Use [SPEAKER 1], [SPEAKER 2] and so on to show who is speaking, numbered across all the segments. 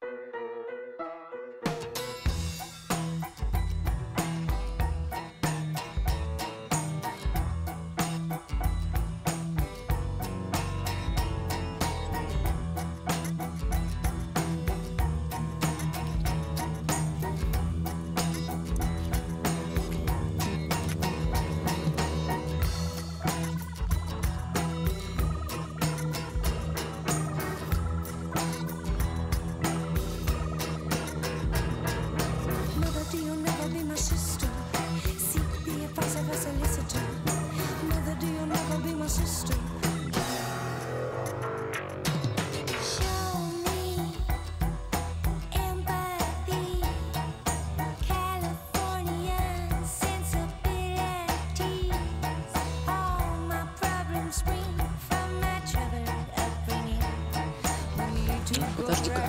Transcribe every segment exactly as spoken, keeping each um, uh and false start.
[SPEAKER 1] Подожди-ка.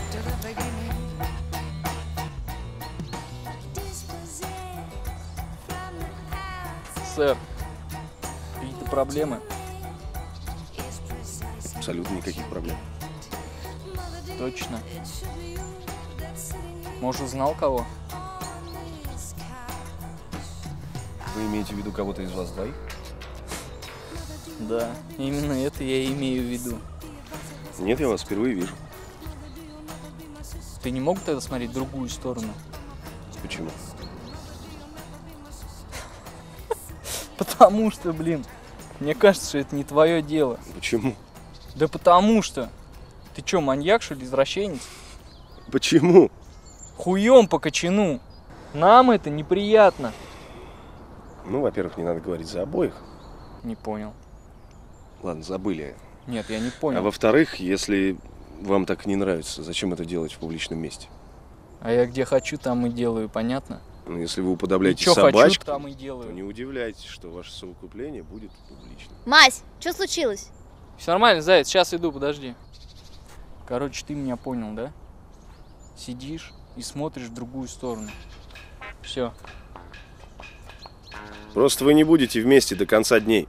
[SPEAKER 1] Сэр, какие-то проблемы?
[SPEAKER 2] Абсолютно никаких проблем.
[SPEAKER 1] Точно. Может, узнал кого?
[SPEAKER 2] Вы имеете в виду кого-то из вас двоих?
[SPEAKER 1] Да, именно это я и имею в виду.
[SPEAKER 2] Нет, я вас впервые вижу.
[SPEAKER 1] Ты не мог тогда смотреть в другую сторону?
[SPEAKER 2] Почему?
[SPEAKER 1] Потому что, блин, мне кажется, что это не твое дело.
[SPEAKER 2] Почему?
[SPEAKER 1] Да потому что. Ты что, маньяк, что ли, извращенец?
[SPEAKER 2] Почему?
[SPEAKER 1] Хуем по кочану. Нам это неприятно.
[SPEAKER 2] Ну, во-первых, не надо говорить за обоих.
[SPEAKER 1] Не понял.
[SPEAKER 2] Ладно, забыли.
[SPEAKER 1] Нет, я не понял.
[SPEAKER 2] А во-вторых, если вам так не нравится, зачем это делать в публичном месте?
[SPEAKER 1] А я где хочу, там и делаю, понятно?
[SPEAKER 2] Ну, если вы уподобляете
[SPEAKER 1] чё
[SPEAKER 2] собачку,
[SPEAKER 1] хочу, там и делаю.
[SPEAKER 2] то не удивляйтесь, что ваше совокупление будет публичным.
[SPEAKER 3] Мась, что случилось?
[SPEAKER 1] Все нормально, заяц, сейчас иду, подожди. Короче, ты меня понял, да? Сидишь и смотришь в другую сторону. Все.
[SPEAKER 2] Просто вы не будете вместе до конца дней.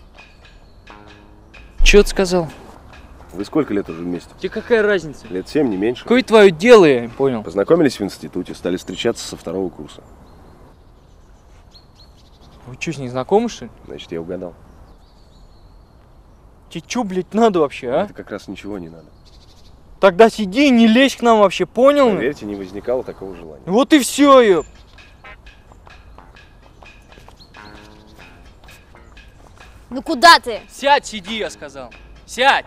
[SPEAKER 1] Че ты сказал?
[SPEAKER 2] Вы сколько лет уже вместе?
[SPEAKER 1] Тебе какая разница?
[SPEAKER 2] Лет семь, не меньше.
[SPEAKER 1] Какое твое дело, я не понял.
[SPEAKER 2] Познакомились в институте, стали встречаться со второго курса.
[SPEAKER 1] Вы что, с ней знакомы, что ли?
[SPEAKER 2] Значит, я угадал.
[SPEAKER 1] Тебе что, блядь, надо вообще, а?
[SPEAKER 2] Это как раз ничего не надо.
[SPEAKER 1] Тогда сиди и не лезь к нам вообще, понял?
[SPEAKER 2] Поверьте, не возникало такого желания.
[SPEAKER 1] Вот и все, ёп.
[SPEAKER 3] Ну куда ты?
[SPEAKER 1] Сядь, сиди, я сказал. Сядь!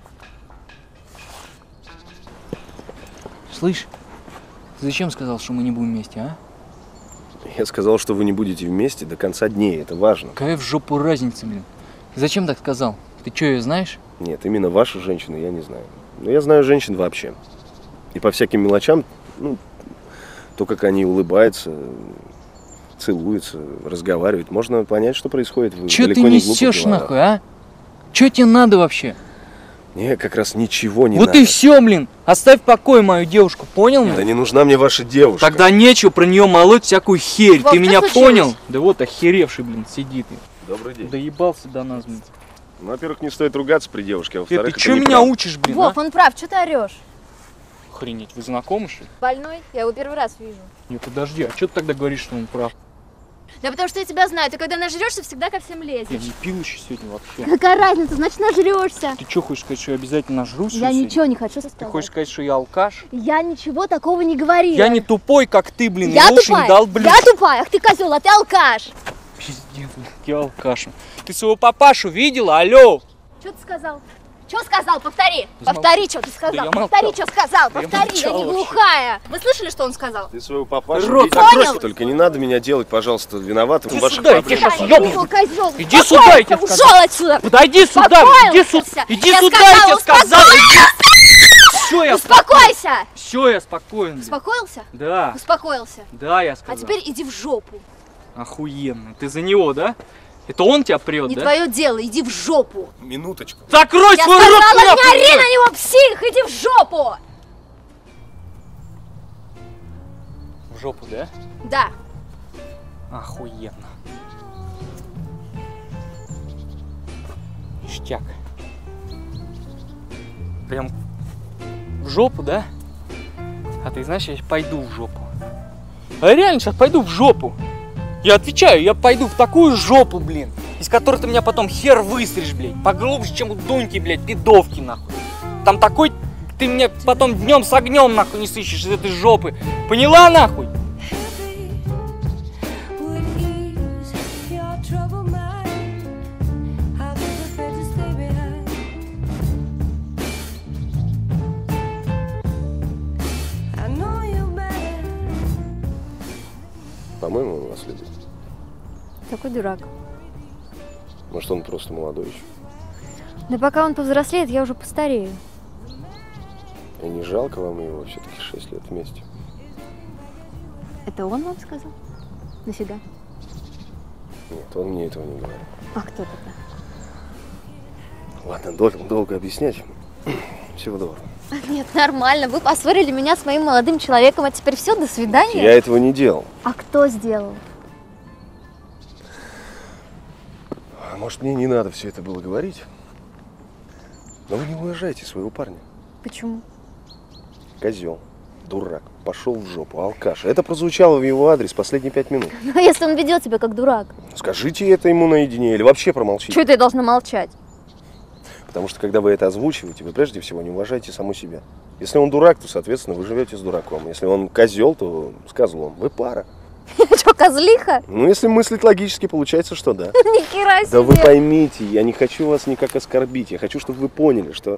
[SPEAKER 1] Слышь, ты зачем сказал, что мы не будем вместе, а?
[SPEAKER 2] Я сказал, что вы не будете вместе до конца дней, это важно.
[SPEAKER 1] Какая в жопу разница, блин? Зачем так сказал? Ты что, ее знаешь?
[SPEAKER 2] Нет, именно вашу женщину я не знаю. Но я знаю женщин вообще. И по всяким мелочам, ну, то, как они улыбаются, целуются, разговаривают, можно понять, что происходит. Вы
[SPEAKER 1] Че ты
[SPEAKER 2] далеко не глупы,
[SPEAKER 1] несешь
[SPEAKER 2] говоря.
[SPEAKER 1] нахуй, а? Че тебе надо вообще?
[SPEAKER 2] Не, как раз ничего не
[SPEAKER 1] вот
[SPEAKER 2] надо.
[SPEAKER 1] и все, блин. Оставь в покое мою девушку, понял?
[SPEAKER 2] Да не нужна мне ваша девушка.
[SPEAKER 1] Тогда нечего про нее молоть всякую херь.
[SPEAKER 3] Вов,
[SPEAKER 1] ты
[SPEAKER 3] что
[SPEAKER 1] меня
[SPEAKER 3] случилось?
[SPEAKER 1] понял? Да вот охеревший, блин, сидит.
[SPEAKER 2] Добрый день.
[SPEAKER 1] Доебался до нас, блин.
[SPEAKER 2] Ну, во-первых, не стоит ругаться при девушке, а
[SPEAKER 1] Э,
[SPEAKER 2] во-вторых,
[SPEAKER 1] ты
[SPEAKER 2] это
[SPEAKER 1] че меня
[SPEAKER 2] неправда.
[SPEAKER 1] учишь, блин,
[SPEAKER 3] Вов,
[SPEAKER 1] а?
[SPEAKER 3] он прав, что ты орешь?
[SPEAKER 1] Охренеть, вы знакомы, что ли?
[SPEAKER 3] Больной? Я его первый раз вижу.
[SPEAKER 1] Не, подожди, а что ты тогда говоришь, что он прав?
[SPEAKER 3] Да потому что я тебя знаю, ты когда нажрешься, всегда ко всем
[SPEAKER 1] Я
[SPEAKER 3] лезешь.
[SPEAKER 1] не пил еще сегодня вообще.
[SPEAKER 3] Какая разница, значит нажрешься.
[SPEAKER 1] Ты что, хочешь сказать, что я обязательно нажрусь?
[SPEAKER 3] Я
[SPEAKER 1] сегодня?
[SPEAKER 3] ничего не хочу
[SPEAKER 1] Ты
[SPEAKER 3] сказать.
[SPEAKER 1] хочешь сказать, что я алкаш?
[SPEAKER 3] Я ничего такого не говорила.
[SPEAKER 1] Я не тупой, как ты, блин,
[SPEAKER 3] Я
[SPEAKER 1] и уши
[SPEAKER 3] тупая,
[SPEAKER 1] не дал, блин.
[SPEAKER 3] я тупая, ах ты козел, а ты алкаш.
[SPEAKER 1] Пиздец, блин, я алкаш. Ты своего папашу видела? Алло!
[SPEAKER 3] Что ты сказал? Что сказал? Повтори.
[SPEAKER 1] Замолчи.
[SPEAKER 3] Повтори, что ты сказал.
[SPEAKER 1] Да я
[SPEAKER 3] Повтори,
[SPEAKER 1] молчал.
[SPEAKER 3] что сказал.
[SPEAKER 1] Да я
[SPEAKER 3] Повтори, я,
[SPEAKER 1] молчал
[SPEAKER 3] не
[SPEAKER 1] вообще.
[SPEAKER 3] глухая. Вы слышали, что он сказал?
[SPEAKER 2] Ты своего папашу
[SPEAKER 1] Рот
[SPEAKER 2] видел?
[SPEAKER 3] закрой.
[SPEAKER 2] Только не надо меня делать, пожалуйста, виноватым в
[SPEAKER 1] Иди
[SPEAKER 2] ваших
[SPEAKER 1] сюда, я тебе
[SPEAKER 2] проблемах.
[SPEAKER 1] щас ёбну.
[SPEAKER 3] Козел, козел.
[SPEAKER 1] Иди сюда, я тебе
[SPEAKER 3] Ушел
[SPEAKER 1] сказал.
[SPEAKER 3] отсюда.
[SPEAKER 1] Подойди сюда, иди сюда,
[SPEAKER 3] Успокойся.
[SPEAKER 1] иди
[SPEAKER 3] Я
[SPEAKER 1] сюда,
[SPEAKER 3] сказала,
[SPEAKER 1] я тебе сказал. Все, я
[SPEAKER 3] Успокойся.
[SPEAKER 1] Все, я спокоен. блин.
[SPEAKER 3] Успокоился?
[SPEAKER 1] Да,
[SPEAKER 3] Успокоился.
[SPEAKER 1] да, я сказал.
[SPEAKER 3] А теперь иди в жопу.
[SPEAKER 1] Охуенно. Ты за него, да? Это он тебя прет,
[SPEAKER 3] Не
[SPEAKER 1] да?
[SPEAKER 3] твое дело, иди в жопу.
[SPEAKER 2] Минуточку.
[SPEAKER 1] Закрой
[SPEAKER 3] Я
[SPEAKER 1] свой рот!
[SPEAKER 3] сказала, не
[SPEAKER 1] нахуй!
[SPEAKER 3] ори на него, псих, иди в жопу.
[SPEAKER 1] В жопу, да?
[SPEAKER 3] Да.
[SPEAKER 1] Охуенно. Ништяк. Прям в жопу, да? А ты знаешь, я пойду в жопу. А я реально сейчас пойду в жопу. Я отвечаю, я пойду в такую жопу, блин, из которой ты меня потом хер выстришь, блядь. Поглубже, чем у Дуньки, блядь, пидовки, нахуй. Там такой, ты меня потом днем с огнем, нахуй, не сыщешь из этой жопы. Поняла, нахуй?
[SPEAKER 2] По-моему, он вас любит.
[SPEAKER 3] Такой дурак.
[SPEAKER 2] Может, он просто молодой еще.
[SPEAKER 3] Да пока он повзрослеет, я уже постарею.
[SPEAKER 2] И не жалко вам его все-таки шесть лет вместе?
[SPEAKER 3] Это он вам сказал? Нафига?
[SPEAKER 2] Нет, он мне этого не говорит.
[SPEAKER 3] А кто тогда?
[SPEAKER 2] Ладно, долго, долго объяснять. Всего доброго.
[SPEAKER 3] Нет, нормально. Вы поссорили меня с моим молодым человеком, а теперь все, до свидания.
[SPEAKER 2] Я этого не делал.
[SPEAKER 3] А кто сделал?
[SPEAKER 2] А может, мне не надо все это было говорить? Но вы не уважаете своего парня.
[SPEAKER 3] Почему?
[SPEAKER 2] Козел, дурак, пошел в жопу, алкаш. Это прозвучало в его адрес последние пять минут.
[SPEAKER 3] Ну, если он ведет себя как дурак.
[SPEAKER 2] Скажите это ему наедине или вообще промолчите.
[SPEAKER 3] Чего это я должна молчать?
[SPEAKER 2] Потому что, когда вы это озвучиваете, вы прежде всего не уважаете саму себя. Если он дурак, то, соответственно, вы живете с дураком. Если он козел, то с козлом. Вы пара.
[SPEAKER 3] Что, козлиха?
[SPEAKER 2] Ну, если мыслить логически, получается, что да.
[SPEAKER 3] Ни хера себе.
[SPEAKER 2] Да вы поймите, я не хочу вас никак оскорбить. Я хочу, чтобы вы поняли, что,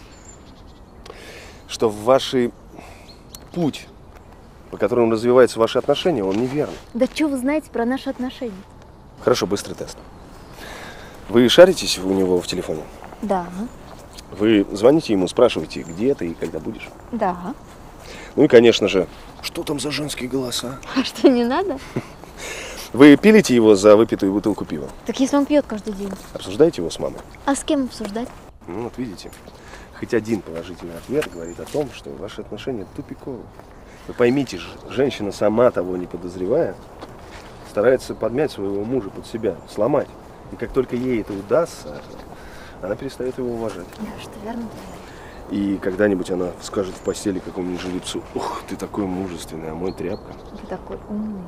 [SPEAKER 2] что в ваш путь, по которому развиваются ваши отношения, он неверный.
[SPEAKER 3] Да что вы знаете про наши отношения?
[SPEAKER 2] Хорошо, быстрый тест. Вы шаритесь у него в телефоне?
[SPEAKER 3] Да.
[SPEAKER 2] Вы звоните ему, спрашиваете, где ты и когда будешь?
[SPEAKER 3] Да.
[SPEAKER 2] Ну и, конечно же, что там за женские голоса?
[SPEAKER 3] А что, не надо?
[SPEAKER 2] Вы пилите его за выпитую бутылку пива?
[SPEAKER 3] Так если он пьет каждый день.
[SPEAKER 2] Обсуждаете его с мамой?
[SPEAKER 3] А с кем обсуждать?
[SPEAKER 2] Ну вот видите, хоть один положительный ответ говорит о том, что ваши отношения тупиковые. Вы поймите, женщина, сама того не подозревая, старается подмять своего мужа под себя, сломать. И как только ей это удастся, она перестает его уважать.
[SPEAKER 3] Да, что верно.
[SPEAKER 2] И когда-нибудь она скажет в постели какому-нибудь жеребцу: ух, ты такой мужественный, а мой тряпка.
[SPEAKER 3] Ты такой умный.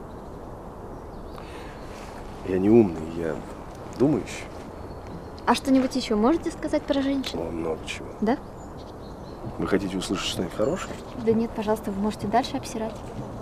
[SPEAKER 2] Я не умный, я думающий.
[SPEAKER 3] А что-нибудь еще можете сказать про женщин?
[SPEAKER 2] О, много чего.
[SPEAKER 3] Да?
[SPEAKER 2] Вы хотите услышать что-нибудь хорошее?
[SPEAKER 3] Да нет, пожалуйста, вы можете дальше обсирать.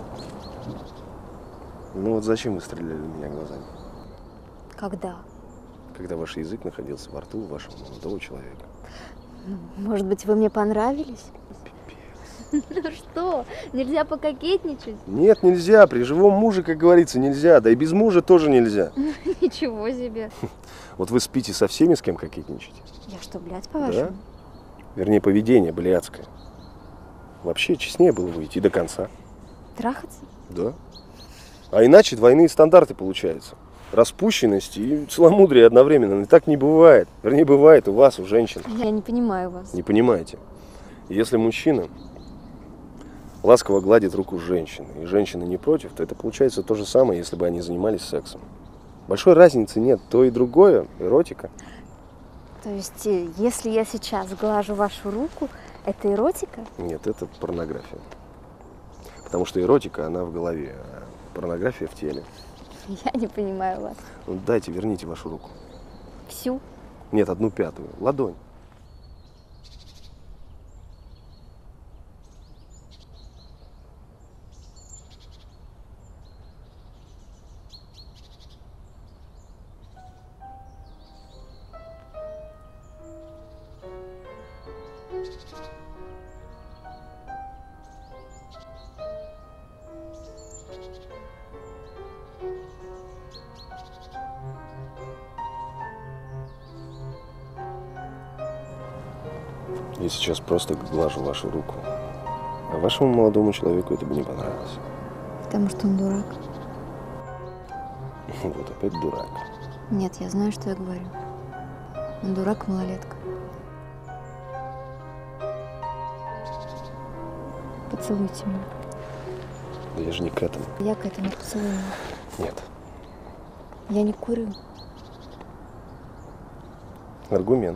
[SPEAKER 2] Ну вот зачем вы стреляли в меня глазами?
[SPEAKER 3] Когда?
[SPEAKER 2] Когда ваш язык находился во рту вашего молодого человека.
[SPEAKER 3] Может быть, вы мне понравились? Ну что, нельзя пококетничать?
[SPEAKER 2] Нет, нельзя. При живом муже, как говорится, нельзя. Да и без мужа тоже нельзя.
[SPEAKER 3] Ничего себе.
[SPEAKER 2] Вот вы спите со всеми, с кем кокетничаете?
[SPEAKER 3] Я что, блядь, по-вашему?
[SPEAKER 2] Да? Вернее, поведение блядское. Вообще, честнее было бы идти до конца.
[SPEAKER 3] Трахаться?
[SPEAKER 2] Да. А иначе двойные стандарты получаются. Распущенность и целомудрие одновременно. И так не бывает. Вернее, бывает у вас, у женщин.
[SPEAKER 3] Я не понимаю вас.
[SPEAKER 2] Не понимаете. Если мужчина ласково гладит руку женщины, и женщина не против, то это получается то же самое, если бы они занимались сексом. Большой разницы нет. То и другое – эротика.
[SPEAKER 3] То есть, если я сейчас глажу вашу руку, это эротика?
[SPEAKER 2] Нет, это порнография. Потому что эротика, она в голове, а порнография в теле.
[SPEAKER 3] Я не понимаю вас.
[SPEAKER 2] Ну, дайте, верните вашу руку.
[SPEAKER 3] Всю?
[SPEAKER 2] Нет, одну пятую. Ладонь. Я сейчас просто глажу вашу руку. А вашему молодому человеку это бы не понравилось.
[SPEAKER 3] Потому что он дурак.
[SPEAKER 2] Вот опять дурак.
[SPEAKER 3] Нет, я знаю, что я говорю. Он дурак, малолетка. Поцелуйте меня.
[SPEAKER 2] Да я же не к этому.
[SPEAKER 3] Я к этому поцелую.
[SPEAKER 2] Нет.
[SPEAKER 3] Я не курю.
[SPEAKER 2] Аргумент.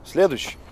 [SPEAKER 2] Следующий.